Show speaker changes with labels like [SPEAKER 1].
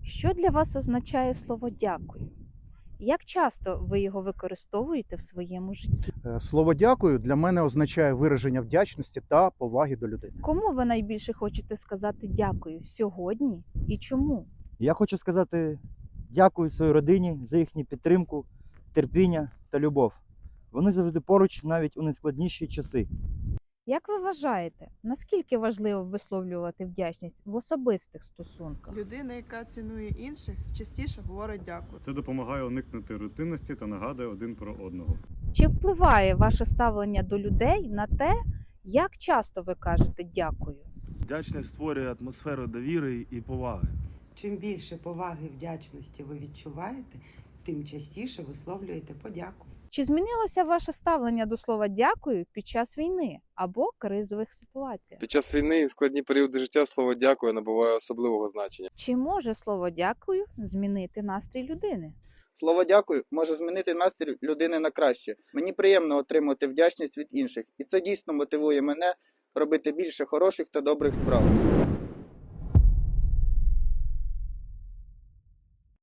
[SPEAKER 1] Що для вас означає слово дякую? Як часто ви його використовуєте в своєму житті?
[SPEAKER 2] Слово дякую для мене означає вираження вдячності та поваги до людини.
[SPEAKER 1] Кому ви найбільше хочете сказати дякую сьогодні і чому?
[SPEAKER 3] Я хочу сказати дякую своїй родині за їхню підтримку, терпіння та любов. Вони завжди поруч навіть у найскладніші часи.
[SPEAKER 1] Як ви вважаєте, наскільки важливо висловлювати вдячність в особистих стосунках?
[SPEAKER 4] Людина, яка цінує інших, частіше говорить дякую.
[SPEAKER 5] Це допомагає уникнути рутинності та нагадує один про одного.
[SPEAKER 1] Чи впливає ваше ставлення до людей на те, як часто ви кажете дякую?
[SPEAKER 6] Вдячність створює атмосферу довіри і поваги.
[SPEAKER 7] Чим більше поваги і вдячності ви відчуваєте, тим частіше висловлюєте подяку.
[SPEAKER 1] Чи змінилося ваше ставлення до слова дякую під час війни або кризових ситуацій?
[SPEAKER 8] Під час війни і в складні періоди життя слово дякую набуває особливого значення.
[SPEAKER 1] Чи може слово дякую змінити настрій людини?
[SPEAKER 9] Слово дякую може змінити настрій людини на краще. Мені приємно отримувати вдячність від інших, і це дійсно мотивує мене робити більше хороших та добрих справ.